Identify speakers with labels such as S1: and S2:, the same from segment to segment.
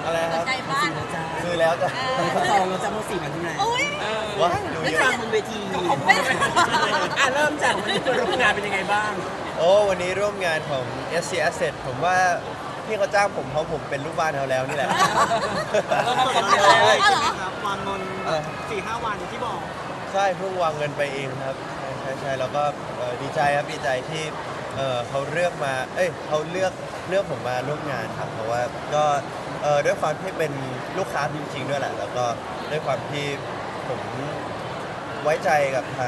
S1: อะไรครับ
S2: ใจบ้าน
S1: ซื้อแล้วจ้ะ
S3: เขาจองเราจะมา4 วันที่ไหน
S2: อุ้ย
S1: ว้ายดู
S3: ไม่
S1: เย
S3: ฟั
S1: อะ
S3: งบนเวที
S2: ไม่
S3: เริ่มจากวันนี้เปิดร่วมงานเป็นยังไงบ้าง
S1: โอ้วันนี้ร่วมงานของ SC Asset ผมว่าพี่เขาจ้างผมเพราะผมเป็นลูกบ้านเขาแล้วนี่แหละ
S4: เราทำสดเลยใช่ไหมครับวางเงิน4-5 วันที่บอก
S1: ใช่เพิ่งวางเงินไปเองครับใช่แล้วก็ดีใจครับดีใจที่เขาเลือกมาเขาเลือกผมมาร่วมงานครับเพราะว่าก็ด้วยความที่เป็นลูกค้าจริงๆด้วยแหละแล้วก็ด้วยความที่ผมไว้ใจกับทาง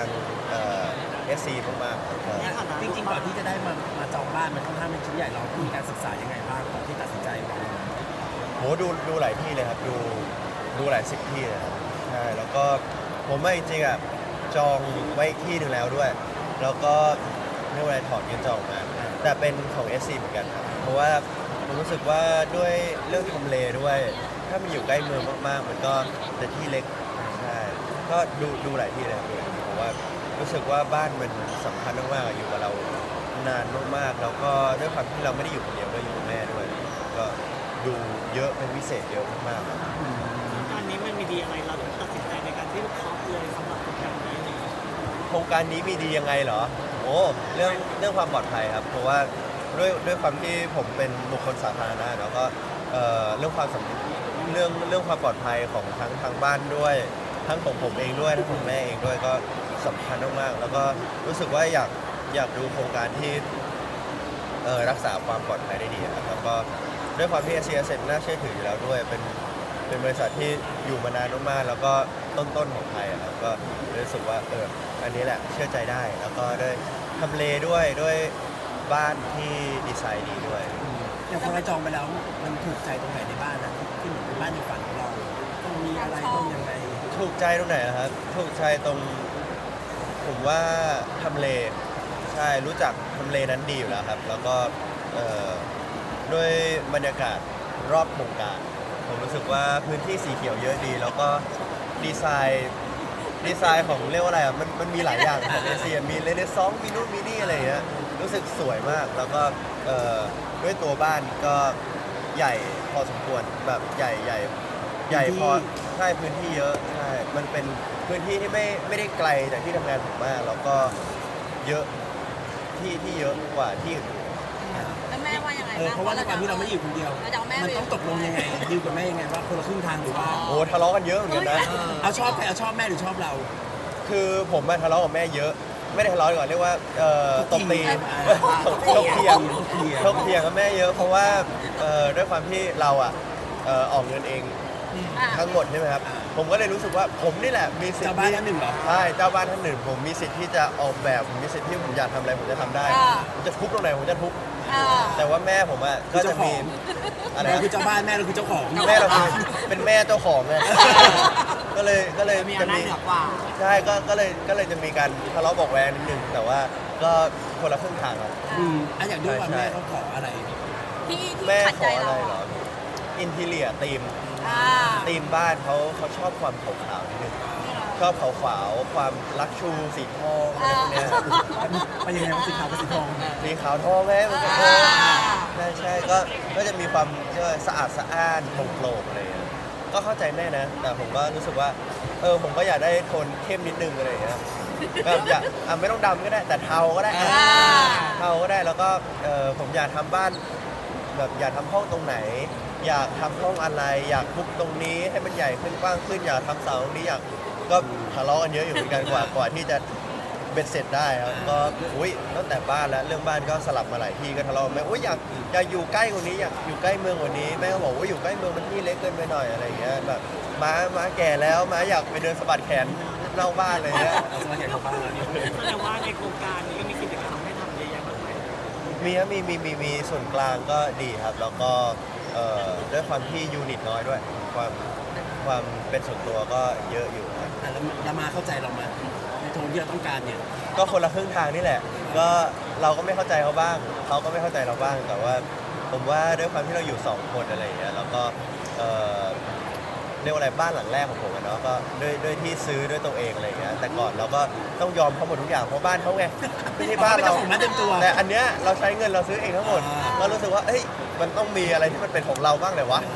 S1: SC มากๆครับ
S3: จริงๆก่อนที่จะได้มาจองบ้านมันค่อนข้างเป็นชิ้นใหญ่เรามีการศึกษายังไงบ้างก่อนที่ตัดสินใจวางเงิน
S1: โหดูหลายที่เลยครับดูหลายสิบที่เลยครับใช่แล้วก็ผมว่าจริงๆอ่ะจองไว้อีกที่หนึ่งแล้วด้วย แล้วก็เมื่อวันถอนเงินจองมาแต่เป็นของ SC เหมือนกันครับเพราะว่าผมรู้สึกว่าด้วยเรื่องทำเลด้วย ถ้ามันอยู่ใกล้เมืองมากๆ มันก็จะที่เล็กใช่ก็ดูหลายที่เลยครับเพราะว่ารู้สึกว่าบ้านมันสำคัญมากๆอยู่กับเรานานมากๆแล้วก็ด้วยความที่เราไม่ได้อยู่คนเดียวด้วยอยู่กับแม่ด้วย ก็ดูเยอะเป็นพิเศษเยอะมากๆครับ
S4: อันนี้มันมีดีอะไรเราถึงตัดสินใจในการที่เคาะเลยสำหรับโครงการนี้เนี่ย
S1: โครงการนี้มีดียังไงเหรอโอ้เรื่องความปลอดภัยครับเพราะว่าด้วยความที่ผมเป็นบุคคลสาธารณะแล้วก็เรื่องความเรื่องความปลอดภัยของทางบ้านด้วยทั้งของผมเองด้วยทั้งของแม่เองด้วยก็สำคัญมากๆแล้วก็รู้สึกว่าอยากดูโครงการที่รักษาความปลอดภัยได้ดีครับแล้วก็ด้วยความที่ SC Asset น่าเชื่อถืออยู่แล้วด้วยเป็นบริษัทที่อยู่มานานมากๆแล้วก็ต้นของไทยอะครับก็รู้สึกว่าอันนี้แหละเชื่อใจได้ แล้วก็ด้วยทำเลด้วยบ้านที่ดีไซน์ดีด้วย
S3: อย่างพอเราจองไปแล้วมันถูกใจตรงไหนในบ้านนะที่เหมือนเป็นบ้านในฝันของเราต้องมีอะไรต้องยังไง
S1: ถูกใจตรงไหนนะครับถูกใจตรงผมว่าทำเลใช่รู้จักทำเลนั้นดีอยู่แล้วครับ แล้วก็ด้วยบรรยากาศรอบโครงการผมรู้สึกว่าพื้นที่สีเขียวเยอะดี แล้วก็ดีไซน์ของเรียกว่าอะไรอ่ะมันมีหลายอย่างของเอเชียมีเรเนซองส์มีนู่นมีนี่อะไรอย่างเงี้ยรู้สึกสวยมากแล้วก็ด้วยตัวบ้านก็ใหญ่พอสมควรแบบใหญ่พอใช่พื้นที่เยอะใช่มันเป็นพื้นที่ที่ไม่ได้ไกลจากที่ทำงานผมมากแล้วก็เยอะที่เยอะกว่าที่อื่น
S2: แล้วแม่ว่ายังไง
S3: เพราะว่าในความที่เราไม่ได้อยู่คนเดียว
S2: เราจะเอาแม่
S3: มันต้องตกลงยังไงดีลกับแม่ยังไงว่าคนละครึ่งทางหรือว่า
S1: โอ้ทะเลาะกันเยอะเหมือนกันนะ
S3: เอาชอบใครเอาชอบแม่หรือชอบเรา
S1: คือผมมาทะเลาะกับแม่เยอะ ไม่ได้ทะเลาะดีกว่อนเรียกว่าตบตี ถกเถียงกับแม่เยอะ เพราะว่าด้วยความที่เราออกเงินเองทั้งหมดใช่ไหมครับผมก็เลยรู้สึกว่าผมนี่แหละมีสิทธิ์
S3: เจ้าบ้านท่านหนึ่งเหรอ
S1: ใช่เจ้าบ้านท่านหนึ่งผมมีสิทธิ์ที่จะออกแบบผมมีสิทธิ์ที่ผมอยากทำอะไรผมจะทำได้ผมจะทุบตรงไหนผมจะทุบแต่ว่าแม่ผมก็จะมีอะไร
S3: เรา
S1: นะ
S3: คือเจ้าบ้านแม่เราคือเจ้าของ
S1: แม่เราคือเป็นแม่เจ้าของไงก็เลย
S4: มี
S1: จะ
S4: อำนา
S1: มี
S4: จเหนือกว่า
S1: ใช่ก็เลยจะมีการทะเลาะเบอกแวงนิดนึงแต่ว่าก็คนละครึ่งทางครับ
S3: อยากดูว่าแม่เขาขออะไร
S2: ที่
S1: แม่
S2: ขัด
S1: ข
S2: ใจ
S1: ออะไร
S2: เรา
S1: เหรออินทีเลียธีมบ้านเขาชอบความขาวๆนิดนึงชอบขาวๆความลักชูสีทองอะไรพวกเนี้ย
S3: ไปยังไงว่าสีขาวกับสีทอง
S1: สีขาวทองไหมมันจะใช่ก็จะมีความสะอาดสะอ้านโปร่งๆอะไรอย่างเงี้ยก็เข้าใจแม่นะ แต่ผมก็รู้สึกว่าผมก็อยากได้โทนเข้มนิดนึงอะไรอย่างเงี้ยแบบอยากไม่ต้องดำก็ได้ แต่เทาก็ได้เทาก็ได้แล้วก็ผมอยากทำบ้านแบบอยากทำห้องตรงไหน อยากทำห้องอะไร อยากทุบตรงนี้ให้มันใหญ่ขึ้นกว้างขึ้นอยากทำเสาตรงนี้อยากก็ทะเลาะกันเยอะอยู่เหมือนกันกว่าที่จะเบ็ดเสร็จได้ครับก็ตั้งแต่บ้านแล้วเรื่องบ้านก็สลับมาหลายที่ก็ทะเลาะกันแม่อยากอยู่ใกล้กว่านี้อยากอยู่ใกล้เมืองกว่านี้แม่ก็บอกว่าอยู่ใกล้เมืองมันที่เล็กเกินไปหน่อยอะไรอย่างเงี้ยแบบม้าแก่แล้วม้าอยากไปเดินสะบัดแขนนอกบ้านอะไรเงี้ย
S3: เอาสมัยใหญ่เข้าบ้านแล้ว
S4: แสดงว่าในโครงการนี้ก็มีกิจกรรมให้ทำเยอะแยะมากมาย
S1: มีส่วนกลางก็ดีครับ แล้วก็ด้วยความที่ยูนิตน้อยด้วย ความเป็นส่วนตัวก็เยอะอยู่ครับ
S3: แล้วมาเข้าใจเรามาในโทนที่เราต้องการเนี่ย
S1: ก็คนละครึ่งทางนี่แหละ ก็เราก็ไม่เข้าใจเขาบ้างเขาก็ไม่เข้าใจเราบ้าง แต่ว่าผมว่าด้วยความที่เราอยู่2คนอะไรอย่างเงี้ยแล้วก็เรียกว่าอะไรบ้านหลังแรกของผมอะเนาะก็ด้วยที่ซื้อด้วยตัวเองอะไรอย่างเงี้ยแต่ก่อนเราก็ต้องยอมเขาหมดทุกอย่างเพราะบ้านเขาไงไม่ใช่บ้านเรา
S3: ของมันเต็มตัว
S1: แต่อันเนี้ยเราใช้เงินเราซื้อเองทั้งหมดก็รู้สึกว่าเอ้ยมันต้องมีอะไรที่มันเป็นของเราบ้างเลยวะ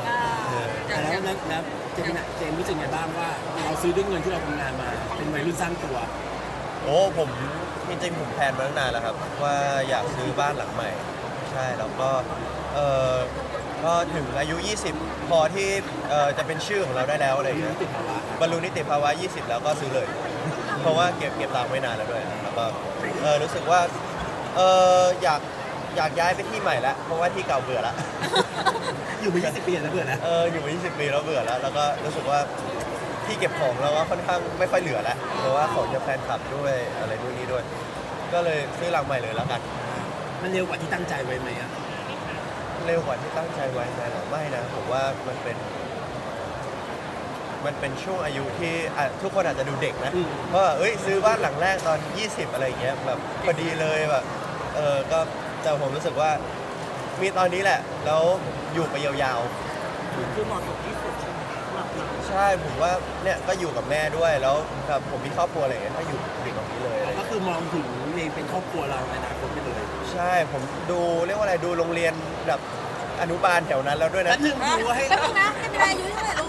S3: แล้วเจมส์รู้สึกไงบ้างว่าเราซื้อด้วยเงินที่เราทำงานมาเป็นวัยรุ่นสร้างตัว
S1: โอ้ผมจริงๆผมแพลนมาตั้งนานแล้วครับว่าอยากซื้อบ้านหลังใหม่ใช่แล้วก็เออก็ถึงอายุ 20 พอที่จะเป็นชื่อของเราได้แล้วอะไรอย่างเงี้ยบรรลุนิติภาวะ 20 แล้วก็ซื้อเลย เพราะว่าเก็บตังค์ไว้นานแล้วด้วยแล้วก็รู้สึกว่าอยากย้ายไปที่ใหม่แล้วเพราะว่าที่เก่าเบื่อแล้ว
S3: อยู่มา20 ปีแล้วเบื่อแล้ว
S1: อยู่มา20 ปีแล้วเบื่อแล้วแล้วก็รู้สึกว่าที่เก็บของเราก็ค่อนข้างไม่ค่อยเหลือแล้วเพราะว่าของจะแฟนคลับด้วยอะไรนู่นนี่ด้วย ก็เลยซื้อหลังใหม่เลยแล้วกัน
S3: มันเร็วกว่าที่ตั้งใจไว้ไหมอ่ะ
S1: เร็วกว่าที่ตั้งใจไว้ไหมหรอไม่นะผมว่ามันเป็นช่วงอายุที่ทุกคนอาจจะดูเด็กนะเพราะว่าซื้อบ้านหลังแรกตอน 20 อะไรอย่างเงี้ยแบบพอดีเลยแบบก็แต่ผมรู้สึกว่ามีตอนนี้แหละแล้วอยู่ไปยาวๆ
S4: คือเหมาะสมที่สุดใช่ไหมสำหรับเรา
S1: ใช่ผมว่าเนี่ยก็อยู่กับแม่ด้วยแล้วแบบผมมีครอบครัวอะไรอย่างเงี้ยก็อยู่ตรงนี้เลยอะไรอย่าง
S3: ก็
S1: เงี้ย
S3: คือมองถึงเองเป็นครอบครัวเราในอนาคตไปเลย
S1: ใช่ผมดูเรียกว่าอะไรดูโรงเรียนแบบอนุบาลแถวนั้นแล้วด้วย
S3: แล้
S1: นะ
S3: วหนึ่งดูให้
S2: แป๊บนึงนะให้เวลาอายุเท่าไหร่ลูก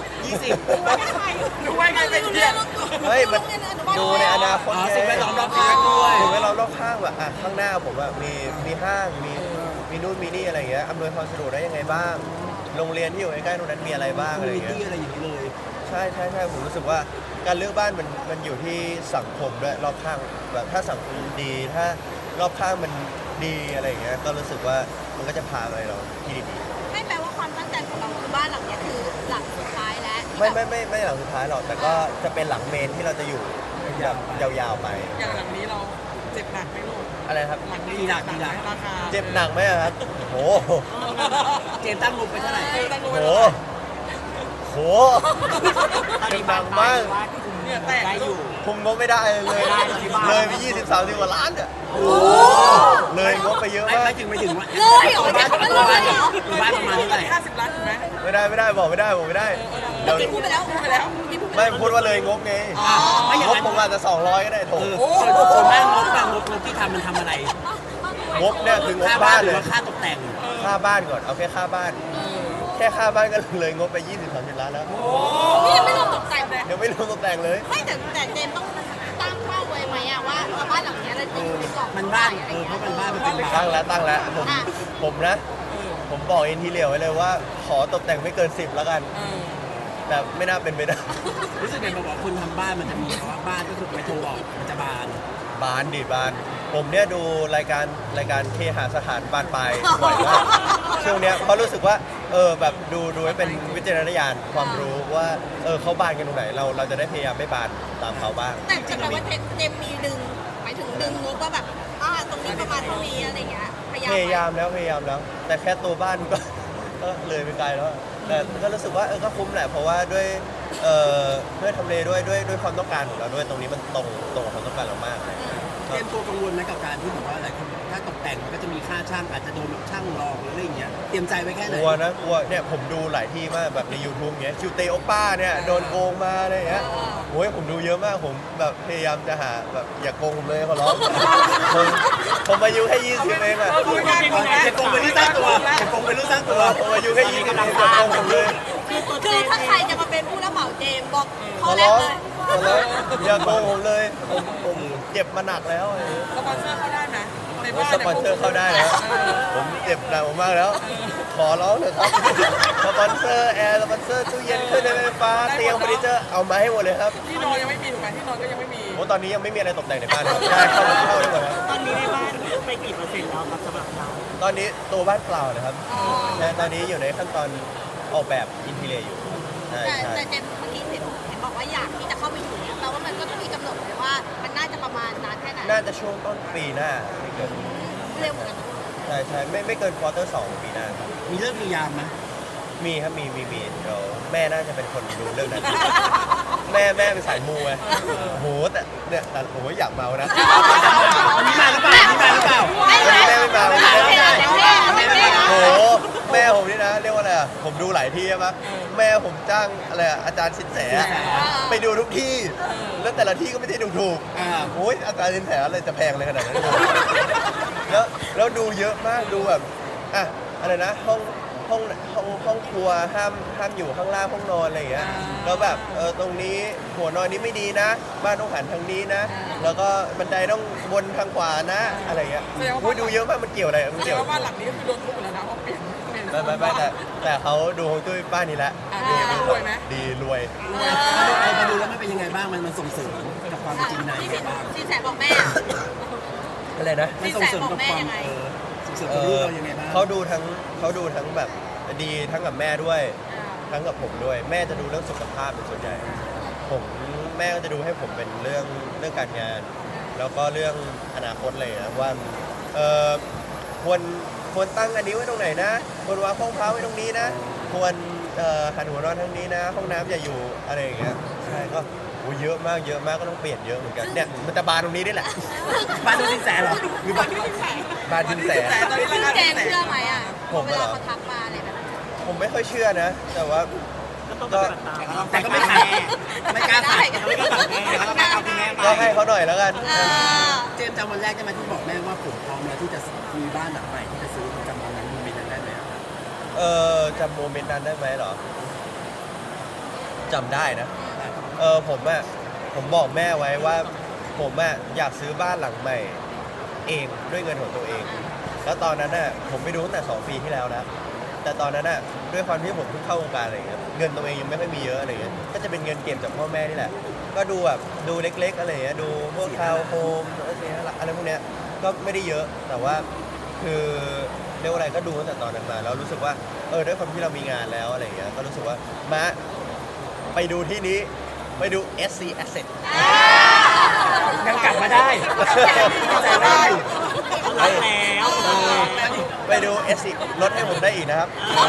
S3: 20
S2: ดูไว้ไงเป็นเพื่อน
S1: เฮ้ยมันดูในอนาคต
S3: อ๋อ
S1: ไง
S3: สิ่งแวดล้อมรอบข้างด้วย
S1: สิ่งแวดล้อมรอบข้างแบบข้างหน้าผมแบบมีห้างมีนู่นมีนี่อะไรอย่างเงี้ยอำนวยความสะดวกได้ยังไงบ้าง โรงเรียนที่อยู่ใกล้ๆตรงนั้นมีอะไรบ้าง
S3: คอม
S1: อะไรอ
S3: มิ
S1: ย่าง
S3: ตี้
S1: เงี้ย
S3: อะไรอย่างนี้เลย
S1: ใช่ผมรู้สึกว่าการเลือกบ้านมันอยู่ที่สังคมด้วยรอบข้างแบบถ้าสังคมดีถ้ารอบข้างมันดีอะไรอย่างเงี้ยก็รู้สึกว่ามันก็จะพาไปเราที่ดี
S2: ให้แปลว่าความตั้งใจของเราคือบ้านหลังเนี้ยคือหลังสุดท้ายแล้ว
S1: ๆไม่หลังสุดท้ายหรอกแต่ก็จะเป็นหลังเมนที่เราจะอยู่แบบยาวๆไป
S5: อย่างหลังนี้เราเจ็บหนักไหมลูก
S1: อะไรครับ
S5: หลังนี้
S3: กี่หลัก
S5: ราคา
S1: เจ็บหนักไหมอะครับโห
S3: เจมส์ตั้งงบไปเท่าไหร่
S5: ตั้ง
S1: โห
S5: ไว้เท่าไหร่
S1: โหเจ็บหนักมาก
S5: เนี่ยแตกอยู่
S1: คุมงบไม่ได้เลยเลยไป20-30 กว่าล้านอ่ะเลยงบไปเยอะ
S3: ไม่
S1: มาก
S3: ไม่ถึงว่า
S2: เลยเหรอ
S3: บ้าน
S2: จะทำอะไรเหรอ
S3: บ้านประมาณเท่าไหร่
S5: 50 ล้านถูกไหม
S1: ไม่ได้บอกไม่ได้เดี๋ยว
S2: กินพูดไปแล้วพูดไปแล้วกินพูดไป
S1: ไม่
S2: แล้ว
S1: พูดว่าเลยงบไง
S3: ไม่อย่าง
S1: งบ
S3: นั้น
S1: ผมอาจจะ200ก็ได้โถ
S3: ส่วนมากงบที่ทำมันทำอะไร
S1: งบเนี่ยคืองบ
S3: ค่า
S1: บ้า
S3: บ้าน
S1: น
S3: ห
S1: เล
S3: รือย ว่าค่าตกแต่ง
S1: ค่าบ้านก่อนเอาแค่ค่าบ้าน แค่ค่าบ้านก็เลยงบไป20-30 ล้านแล้ว
S2: นี่ยังไม่รวมตกแต่งเลย
S1: เดี๋ยวไม่รวมตกแต่งเลย
S2: ไม่แต่เจมส์ต้องตั้งเป้าไว้ไหมอะว่าบ้านหลังเนี้ยเราจะอยู่ในกรอบ
S3: มันบ้านเพราะมันบ้านมันเป็นบ้า
S1: ตั้
S3: น
S1: งแล้วผมนะ ผมบอกอินทีเรียไว้เลยว่าขอตกแต่งไม่เกิน 10 แล้วกัน แต่ไม่น่าเป็นไปได้
S3: รู้สึกไงบอกว่าคนทำบ้านมันจะมีเพราะว่าบ้านก็คือไปโทรบอกมันจะบาน
S1: บานดิบาน ผมเนี่ยดูรายการเคหสถานบานปลายบ่อยมากช่วงเนี้ยเพราะรู้สึกว่าแบบดูให้เป็นวิจารณญาณความรู้ว่าเขาบานกันตรงไหนเราจะได้พยายามไม่บานตามเขาบ้าง
S2: แต่จะแปลว่าเจมส์มีดึงหมายถึงดึงงบว่าแบบตรงนี้ประมาณเท่านี้อะไรเงี้ยพยายาม
S1: พยายามแล้ว แต่แค่ตัวบ้านก็ ก็เลยไปไกลแล้วแต่ก็รู้สึกว่าก็คุ้มแหละเพราะว่าด้วยทำเลด้วยความต้องการของเราด้วยตรงนี้มันตรงกับความต้องการเรามาก
S3: เตรียมตัวกังวลไหมกับการที่แบบว่าหลายคนบอกถ้าตกแต่งมันก็จะมีค่าช่างอาจจะโดนแบบช่างหลอกหรืออะไรอย่างเงี้ยเตรียมใจไว้แค่ไห
S1: ก
S3: น
S1: ลัวเนี่ยผมดูหลายที่มากแบบใน YouTube เงี้ยคิวเตโอป้าเนี่ยโดนโกงมาอะไรเงี้ยโอ้ยผมดูเยอะมากผมแบบพยายามจะหาแบบอย่าโกงผมเลยขอร้องผมอายุแค่20เองอะ
S3: จะโกงเป็นลูกสร้างตัวจะโกงเป็นลูกสร้างตัว
S1: ผมอายุแค่20เองอย่าโกงผมเลย
S2: คือถ้าใครจะมาเป็นผู้รับเหมาเจมส์บอก
S1: ข
S2: ข้อ
S1: อ
S2: แร
S1: ร้
S2: ก
S1: อง
S2: เลย
S1: ขอร้องอย่าโกงผมเลยผมเจ็บมาหนักแล้ว
S5: สปอนเซอร์เข้าได้ไหมใน
S1: ว่า
S5: บ้าน
S1: สปอนเซอร์เข้าได้แล้วผมเจ็บหนักมากแล้ว ขอร้องเถอะครับสปอนเซอร์แอร์สปอนเซอร์ตู้เย็นเครื่องใช้ไฟฟ้าเตียงเฟอร์นิเจอร์เอามาให้หมดเลยครับ
S5: ที่นอนยังไม่มีถูกไหมที่นอนก็ยังไม่มี
S1: โอ้ตอนนี้ยังไม่มีอะไรตกแต่งในบ้านครับได้เข้าได้หมดครับ
S4: ตอนนี้ในบ้านไปกี่เปอร์เซ็นต์แล้วครับสำหรับเรา
S1: ตอนนี้ตัวบ้านเปล่านะครับใช่ตอนนี้อยู่ในขั้นตอนออกแบบอินทีเรียอยู่ใช่
S2: แต่เจมส์เมื่อกี้เห็นบอกว่าอยากที่จะเข้าไปอยู่เนี่ยแปลว่ามันก็ต้องมีกำหนดเลยว่ามันน่าจะประมาณนานแค่ไหน
S1: น่าจะช่วงต้นปีหน้าไม่เกิน
S2: เร็วเหมือนกัน
S1: ใช่ไม่เกินควอเตอร์2ปีหน้าครับ
S3: มีเลิกมียามไหม
S1: มีครับมีเดี๋ยวแม่น่าจะเป็นคนดูเรื่องนั้น แม่เป็นสายมูไงโหแต่เนี่ยแต่โหอยากเมานะ
S3: อันนี้มาหรือเปล่าอันนี้มาหรือเปล่า
S2: ไม่
S1: วันนี้แม่ไม่มา
S2: ไม่
S1: วันนี้
S2: มา
S1: แม่
S2: ไม่
S1: ไม่
S2: มา
S1: มา
S2: ไม่มา
S1: โหแม่ผมนี่นะเรียกว่าอะไรอ่ะผมดูหลายที่ใช่ไหมแม่ผมจ้างอะไรอ่ะอาจารย์สินแสไปดูทุกที่ แล้วแต่ละที่ก็ไม่ได้ดูถูกโอ้ยอาจารย์สินแสอะไรจะแพงเลยขนาดนั้นแล้วดูเยอะมากดูแบบอ่ะอะไรนะห้องห้องครัวห้ามอยู่ข้างล่างห้องนอนอะไรอย่างเงี้ยแล้วแบบตรงนี้หัวนอนนี้ไม่ดีนะ บ้านต้องหันทางนี้นะ แล้วก็บันไดต้องวนทางขวานะอะไรอย่างเงี้ยอุ๊ยดูเยอะมากมันเกี่ยวอะไรมัน
S5: แสด
S1: เกี่
S5: ง
S1: ยว
S5: ว่าบ้านหลังนี้ก็คือโดนทุบหมดแล้วนะเพราะเปลี่ยน
S1: ไม่แต่เขาดูฮวงจุ้ยบ้านนี้แหละ
S5: รวยไหม
S1: ดีรวย
S3: มาดูแล้วมันเป็นยังไงบ้างมันส่งเสริมกับความเป็นจริงในยังไงบ้าง
S2: สินแสบอกแม่
S1: อะไรนะ
S3: มันส่งเสริมกับความส่งเสริมกับลูกเรายังไงบ้าง
S1: เขาดูทั้งแบบดีทั้งกับแม่ด้วย ทั้งกับผมด้วย แม่จะดูเรื่องสุขภาพเป็นส่วนใหญ่แม่ก็จะดูให้ผมเป็นเรื่องการงาน แล้วก็เรื่องอนาคตเลยนะว่าควรตั้งอันนี้ไว้ตรงไหนนะควรวางห้องพักไว้ตรงนี้นะควรหันหัวนอนทางนี้นะ ห้องน้ำอย่าอยู่อะไรอย่างเงี้ยใช่ก็เยอะมากก็ต้องเปลี่ยนเยอะเหมือนกันเนี่ยมันจะบานตรงนี้นี่แหละ
S3: บ้านดูสินแสเหรอหรือบ้าน
S1: บานจินแส
S5: แต่ตอนนี้ราคา
S2: แจ
S5: เป็น
S2: ง
S5: แสน
S2: เชื่อไหมอ่ะ
S1: ผม
S2: เว
S1: เหรอ
S2: ลาเขาทักมาอะไรแบบนั้น
S1: ผมไม่ค่อยเชื่อนะ แต่ว่า
S4: ก็ต้องปฏิบัติตาม
S3: แต่ก็ไม่ขัดไม่กล้าขัด
S1: ก็ให้เขาหน่อยแล้วกัน
S3: เจมส์จำวันแรกได้ไหมที่บอกแม่ว่าผมพร้อมแล้วที่จะมีบ้านหลังใหม่ที่จะซื้อจำวันนั้นโมเมนต์นั้นได้ไหมครับ
S1: จำโมเมนต์นั้นได้ไหมเหรอจำได้นะผมบอกแม่ไว้ว่าผมอยากซื้อบ้านหลังใหม่เองด้วยเงินของตัวเอง แล้วตอนนั้นผมไปดูตั้งแต่2 ปีที่แล้วนะแต่ตอนนั้นด้วยความที่ผมเพิ่งเข้าวงการอะไรอย่างเงี้ยเงินตัวเองยังไม่ค่อยมีเยอะอะไรอย่างเงี้ยก็จะเป็นเงินเก็บจากพ่อแม่นี่แหละก็ดูแบบดูเล็กๆอะไรอย่างเงี้ยดูพวกทาวน์โฮมอะไรพวกเนี้ยก็ไม่ได้เยอะแต่ว่าคือเรียกว่าอะไรก็ดูตั้งแต่ตอนนั้นมาแล้วรู้สึกว่าด้วยความที่เรามีงานแล้วอะไรอย่างเงี้ยก็รู้สึกว่ามาไปดูที่นี้ไปดู SC Asset
S3: ยังกลับมาได้ใจได้อยู่
S4: รักแล้ว
S1: ไปดู SC ลดให้ผมได้อีกนะครับ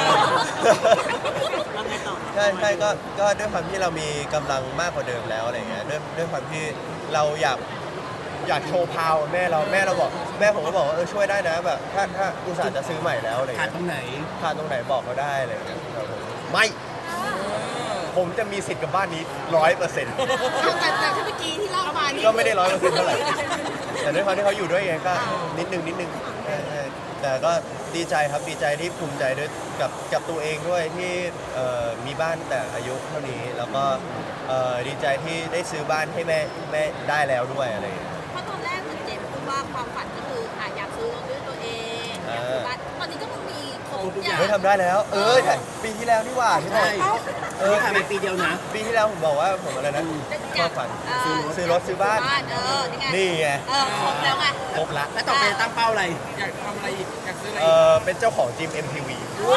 S4: แล้วไงต่อ
S1: ใช่ก็ด้วยความที่เรามีกำลังมากกว่าเดิมแล้วอะไรเงี้ยด้วยความที่เราอยากโชว์พาวแม่เราบอกแม่ผมก็บอกว่าช่วยได้นะแบบถ้าอุตส่าห์จะซื้อใหม่แล้วอะไร
S3: ขาด
S1: เงี้ย
S3: ตรงไหน
S1: ขาดตรงไหนบอกเขาได้อะไรเงี้ยครับผมไม่ผมจะมีสิทธิ์กับบ้านนี้ 100%
S2: แต่ที่เมื่อกี้ที่เล่ามานี่
S1: ก็ไม่ได้100%เท่าไหร่แต่ด้วยความที่เขาอยู่ด้วยไงก็นิดนึงใช่แต่ก็ดีใจครับดีใจที่ภูมิใจด้วยกับตัวเองด้วยที่มีบ้านแต่อายุเท่านี้แล้วก็ดีใจที่ได้ซื้อบ้านให้แม่ได้แล้วด้วยอะไรอย่างเงี้ย
S2: เพราะตอนแรกเหมือนเจมส์พูดว่าความฝันก็คืออยากซื้อรถด้วยตัวเองอยากซื้อบ้านตอนนี้ก็มีครบทุกอย่าง
S1: เฮ้ยทำได้แล้วแต่ปีที่แล้วนี่หว่าที่ไหน
S3: ใช่ผ่านไปปีเดียวนะ
S1: ปีที่แล้วผมบอกว่าผมอะไรนะความฝันซื้อรถซื้อบ้าน
S2: นี่ไง
S1: นี่ไง
S2: ครบแล้วไง
S1: ครบละ
S3: แล้วต่อไปตั้งเป้าอะไร
S5: อยากทำอะไรอีกอยากซื้ออะไรอีก
S1: เป็นเจ้าของจิม MTV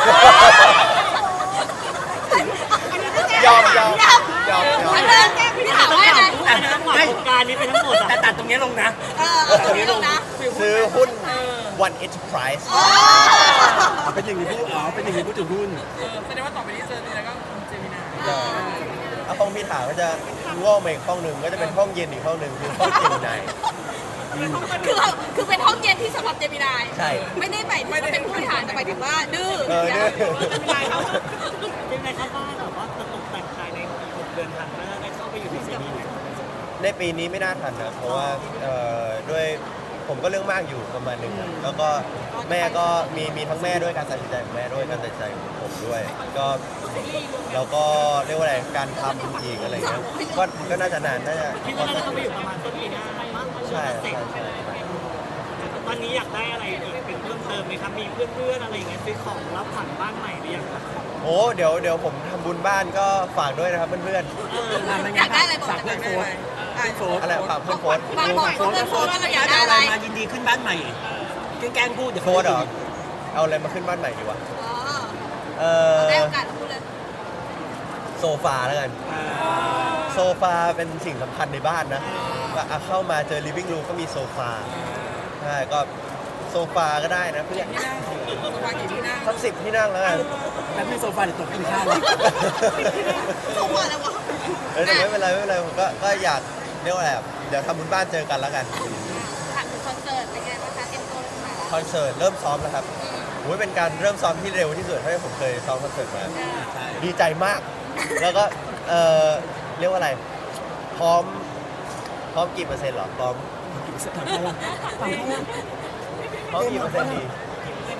S1: ยอม
S2: พี่ถามว่าไง
S4: ทั้งหมดโครงการนี้เป็นทั้งหมด
S3: แต่
S4: อ่ะ
S3: ตัดตรงนี้ลงนะ
S2: ตรงนี้ลงนะ
S1: ซื้อหุ้น One Enterprise
S3: เป็นอย่างนี้พูดเป็นอย่างนี้พูดถึงหุ้น
S5: แสดงว่าต่อไปนี้เจอเนี่ยก็คุณเจมินา
S1: ห้องพี่ถาก็จะงอกมาอีกห้องหนึ่งก็จะเป็นห้องเย็นอีกห้องหนึ่งคือห้องเจมินาย
S2: คือเป็นห้องเย็นที่สำหรับเจมินาย
S1: ใช่
S2: ไม่ได้หมายถึงว่าเป็นผู้บริหารแต่หมายถึงว่าดื้อ
S1: ดื้อ
S4: เป็นไงครับบ้านแบบว่าจะตกแต่งภายใน6 เดือนทันแล้วได้เข้าไปอยู่ในซีรีส์ไหม
S1: ในปีนี้ไม่น่าทันนะเพราะว่าด้วยผมก็เรื่องมากอยู่ประมาณหนึงครับแล้วก็แม่ก็มีทั้งแม่ด้วยการตัดสินใจของแม่ด้วยการตัดสินใจของผมด้วยก็เราก็เรียกว่าอะไรการทำอีกอะไรเงี้ยก็น่าจะนานน่าจะ
S4: คิดว่าน่าจะเข้าไปอยู่ประมาณต้นปีหน้ามั้ง
S1: ใช่
S4: เสร็จ ตอนนี้อยากได้อะไรอีกเป็นเพิ่มเติมไหมครับ มีเพื่อนๆอะไรอย่างเงี้ยซื้อของรับขวัญบ้านใหม่หรือยังครับ
S1: โอ้เดี๋ยวผมทำบุญบ้านก็ฝากด้วยนะครับเพื่อน
S2: อยากได้อะไรบอก
S3: ฝาก
S2: เล
S3: เพื่อย นโฟร์โฟร์
S1: ๆอะไรฝากเพื่อนโพสต์
S2: ฝากบอกเพื่อนโฟนว่าเราอยากได้
S3: อะ
S2: อะไร ไร
S3: มายินดีขึ้นบ้านใหม่แกล้งพูดเดี๋ยว
S1: โพสต์เหรอเอาอะไรมาขึ้นบ้านใหม่ดีวะ
S2: ได้โอกาสพูดเลย
S1: โซฟาแล้วกันโซฟาเป็นสิ่งสำคัญในบ้านนะก็เข้ามาเจอ living room ก็มีโซฟาใช่ก็โซฟาก็ได้นะเพื่อน
S5: ที่นั่งสบายกี่ที่นั่ง
S1: สัก10 ที่นั่งแล้วกัน
S3: แล้วมีโซฟาเดี๋ยวตกกินข้าว
S2: เขาว่าอะไรวะ
S1: แต่ไม่เป็นไรผมก็อยากเรียกว่าอะไรเดี๋ยวทำบุญบ้านเจอกันแล้วกัน
S2: ถามถึงคอนเสิร์ตเป็นไงบ้างคะเตรียมตัวขนาดไหน
S1: คอนเสิร์ตเริ่มซ้อมแล้วครับโอ้ยเป็นการเริ่มซ้อมที่เร็วที่สุดเท่าที่ผมเคยซ้อมคอนเสิร์ตมา ดีใจมาก แล้วก็เรียกว่าอะไร พร้อมกี่เปอร์เซ็นต์หรอ พร้อมกี่เปอร์เซ็นต์ดี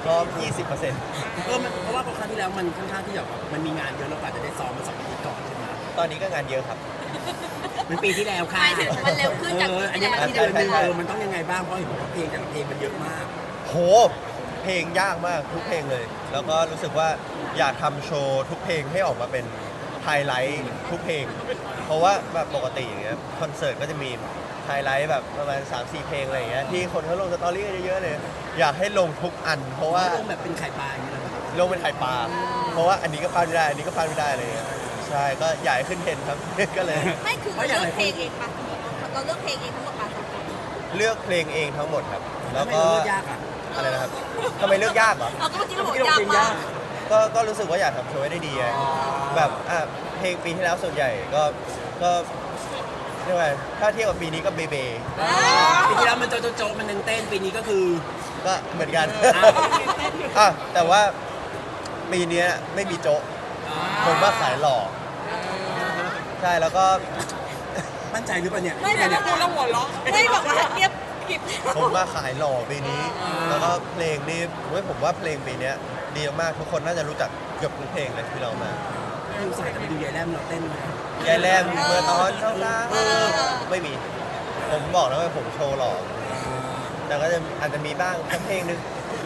S1: พร้อม 20%
S3: เพราะว่าครั้งที่แล้วมันค่อนข้างที่แบบมันมีงานเยอะแล้วกว่าจะได้ซ้อมมา2 อาทิตย์ก่อนใช่ไหม
S1: ตอนนี้ก็งานเยอะครับ
S3: มันปีที่แล้วค่ะ
S2: หมายถึงมันเร็วขึ้นจาก
S3: อัน
S2: ปี
S3: นี้
S2: ที่
S3: มัน
S2: แล้ว
S3: ที่เดือนหนึงมันต้องยังไงบ้างเพราะเห็นว่าเพลงแต่ละเพลงมันเยอะมาก
S1: โห เพลงยากมากทุกเพลงเลย แล้วก็รู้สึกว่าอยากทำโชว์ทุกเพลงให้ออกมาเป็นไฮไลท์ทุกเพลง เพราะว่าแบบปกติอย่างเงี้ยคอนเสิร์ตก็จะมีไฮไลท์แบบประมาณ 3-4 เพลงอะไรอย่างเงี้ยที่คนเขาลงสตอรี่กันเยอะๆเลย อยากให้ลงทุกอัน เพราะว่า
S3: ลงแบบเป็นไข่ปลาอย่างนี้เลย
S1: ลงเป็นไข่ปลา เพราะว่าอันนี้ก็พลาดไม่ได้ อันนี้ก็พลาดไม่ได้อะไรอย่างเงี้ยใช่ก็อยากให้ขึ้นเทรนด์ครับ ก็เลย
S2: ไม่คือเราเลือกเพลงเองปะเราเลือกเพลงเองทั้งหมดปะ
S1: เลือกเพลงเองทั้งหมดครับ แล้ว
S3: ไม่
S1: ก็
S3: รู้เลือกยากอ่ะ
S1: อะไรนะครับทำไมเลือกยากเหรอ
S2: เราก็เมื่อกี้เราบอกยากมาก
S1: ก็รู้สึกว่าอยากทำโชว์ให้ได้ดีไงแบบเพลงปีที่แล้วส่วนใหญ่ก็เรียกว่าถ้าเทียบกับปีนี้ก็เบเบ
S3: ปีที่แล้วมันโจ๊ะๆมันเต้นปีนี้ก็คือ
S1: ก็เหมือนกัน แต่ว่าปีเนี้ยไม่มีโจ๊ะผมว่าขายหล่อใช่แล้วก็
S3: มั่นใจหรือเปล่าเนี่ย
S2: ไม่แบบ
S5: พูดแล้วหัวเราะ
S2: ไม่บอกว่าเงียบกริบ
S1: ผมมาขายหล่อปีนี้ แล้วก็เพลงนี่ผมว่าเพลงปีเนี้ยดีมากทุกคนน่าจะรู้จักเกือบทุกเพลงเลยที่เรามา
S3: ดูสายแต่ไปดูยายแรมเราเต้นมาย
S1: ายแรมเมื่อตอนเช้าๆไม่มี ผมบอกแล้วว่าผมโชว์หล่อแต่ก็จะอาจจะมีบ้างสักเพลงนึง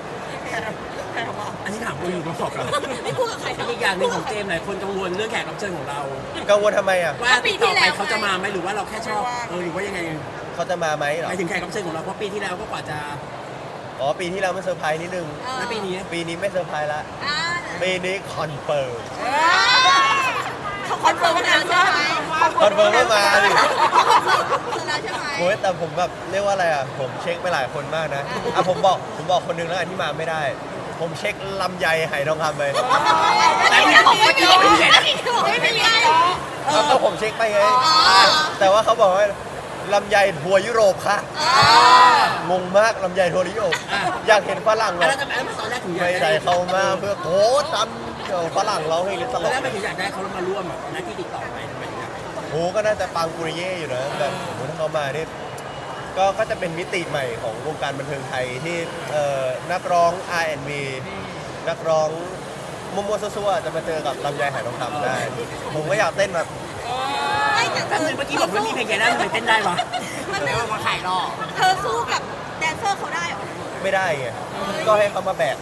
S3: อันนี้ถามคนอื่นมาบอกเรา
S2: ไม่พูดกับใคร
S3: อีกอย่างหนึ่งของเจมส์หลายคนกังวลเรื่องแขกรับเชิญของเรา
S1: กังวลทำไมอ่ะ
S3: ว่าปีต่อไปเขาจะมาไหมหรือว่าเราแค่ชอบหรือว่ายังไง
S1: เขาจะมาไหมเหร
S3: ห
S1: อ
S3: มายถึงแขกรับเชิญของเราเพราะปีที่แล้วก็กว่าจะ
S1: อ๋อปีที่แล้วมันเซอร์ไพรส์นิดนึง
S3: แล้วปีนี้
S1: ปีนี้ไม่เซอร์ไพรส์ละ
S2: อ่า
S1: ปีนี้คอนเฟิร์ม
S2: เขาคอนเฟิร์มแล้วใช่ไหม
S1: คอนเฟิร์มว่ามาดิ
S2: เขาคอนเฟิร์มแล้วใช่ไหม
S1: โอ้ยแต่ผมแบบเรียกว่าอะไรอ่ะผมเช็คไปหลายคนมากนะผมบอกคนนึงแล้วกันที่มาไม่ได้ ผมเช็คลำไยไหทองคำไป
S2: แต่ไม่บอกไม่มีไม่มี
S1: ก็ผมเช็คไปไงแต่ว่าเขาบอกว่าลำไยทัวร์ยุโรปค่ะงงมากลำไยทัวร์ยุโรปอยากเห็นฝรั่งเหร
S3: แล้
S1: อ
S3: วทำไมตอนแรกถึงอยาก
S1: ไม่ได้เข้ามาเพื่อโค้ชตำฝรั่งร้องเพลงต
S3: ตอน
S1: ลก
S3: แรกไม่ถึงอยากได้เขามาร่วมอ่ะนักที่ติดต่อไปทำไมถึงอยาก
S1: โอ้ก็น่าจะปังปุริเย่อยู่นะแบบโอ้ถ้าเขามานี่ก็จะเป็นมิติใหม่ของวงการบันเทิงไทยที่นักร้อง R&B นักร้องมัวๆซั่วๆจะมาเจอกับลำไยไหทองคำได้ ผมก็อยากเต้นแบบ
S2: ไม่แต่
S3: แต่เมื่อกี้บอกว่ามีเพลงแกได้ทำไมเต้นได้วะ
S2: มันไม่ว่ามาขายหรอกเธอสู้กับแดนเซอร์เขาได้หรอ
S1: ไม่ได้ไงก็ให้เขามาแบก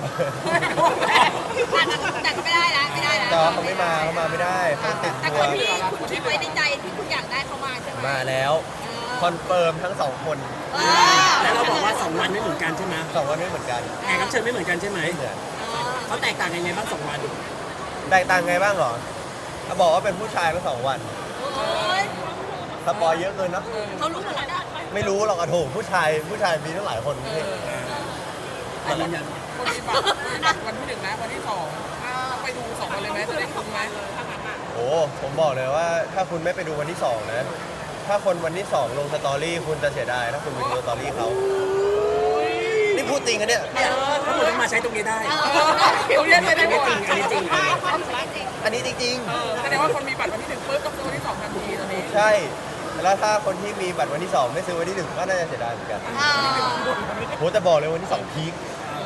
S2: แต่ก็ไม่ได้นะไม่ได้นะ
S1: แต่ว่าเขาไม่มาไม่ได้เขาติด
S2: แต่
S1: ทั
S2: ค
S1: วน ร์
S2: ที่คุณคิดไว้ในใจที่คุณอยากได้เขามาใช่ไหม
S1: มาแล้วคอนเฟิร์มทั้งสองคน
S3: แล้วเราบอกว่า2 วันไม่เหมือนกันใช่ไหม
S1: สองวันไม่เหมือนกัน
S3: แขกรับเชิญไม่เหมือนกันใช่ไหม
S1: ไม่เหมือน
S3: เขาแตกต่างยังไงบ้าง2 วัน
S1: แตกต่างไงบ้างเหรอเขาบอกว่าเป็นผู้ชายมา2 วัน
S2: โอ้ย
S1: สปอยเยอะเกินเนอะ
S2: เขารู้หมดแล้วนะ
S1: ไม่รู้หรอกอะโถผู้ชายมีตั้งหลายคนพี่
S3: แต่ยืนยัน
S5: คนมีบัตรวันที่ 1นะวันที่ 2ไปดู2 วันเลยไหมจะได้คุ้มไหม
S1: โอ้ผมบอกเลยว่าถ้าคุณไม่ไปดูวันที่2นะถ้าคนวันที่2ลงสตอรี่คุณจะเสียดายถ้าคุณไปดูสตอรี่เขานี่พูดจริงอะเนี่ย
S3: เนี่ยถ้าคุณต้องมาใช้ตรงนี้ได้
S5: เขาเรียกไม่ได้หมด
S3: จริงอันนี้จริง
S1: อันนี้จริง
S5: แสดงว่าคนมีบัตรวันที่ 1ปุ๊บต้องซื้อวันที่ 2ทันทีตอนนี้
S1: ๆ ใช่แล้วถ้าคนที่มีบัตรวันที่2ไม่ซื้อวันที่1ก็น่าจะเสียดายเหมือนกันโหแต่บอกเลยวันที่2พีค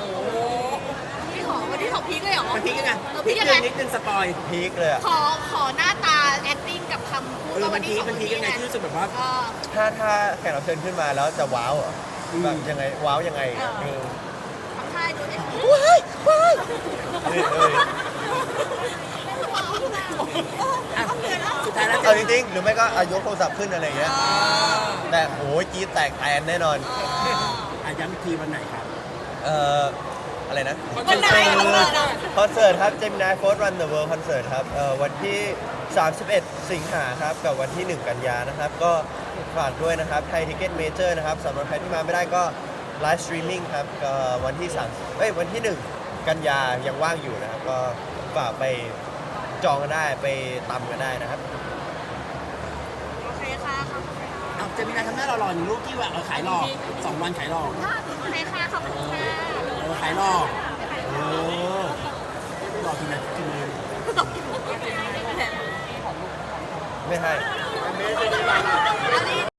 S2: วันที่ของพีคเลยเหรอ
S3: มันพีกยังไง
S2: พีคยังไง
S3: นิดนึงสปอย
S1: พีคเลยอะ
S2: ขอหน้าตา acting กับคำพูด
S3: มันพีกยังไงที่รู้สึกแบบว่า
S1: ถ้าแขกรับเชิญขึ้นมาแล้วจะว้าวเหรอแบบยังไงว้าวยังไงเออ
S2: ทำท่าดูดิ
S1: เอ้ย
S3: สุดท้ายแล้ว
S1: เอาจริงๆหรือไม่ก็ยกโทรศัพท์ขึ้นอะไรอย่างเงี้ยแต่โอ้ยกรีดแตกแตนแน่นอน
S3: ย้ำอีกทีวันไหนครับ
S1: อะไรนะ
S2: วันไหนคอนเสิร์ตอ่ะ
S1: คอนเสิร์ตครับ Gemini Force Run the World Concert ครับวันที่ 31 สิงหาครับกับวันที่ 1 กันยานะครับ ก็ฝากด้วยนะครับไทยทิเก็ตเมเจอร์นะครับสำหรับใครที่มาไม่ได้ก็ไลฟ์สตรีมมิ่งครับก็วันที่วันที่ 1 กันยายังว่างอยู่นะครับ ก็ฝากไปจองกันได้ไปตำกันได้นะครับ
S2: โอเคค่ะขอบคุณค่ะ
S3: เอาจะมีนายทำหน้าหล่อๆหนึ่งรูปที่ว่าขายหล่อ2 วันขายหล่อ
S2: โอเคค่ะขอบคุณค่ะ
S3: ขายหล่อหล่อกี่นาที
S1: ไม่ให้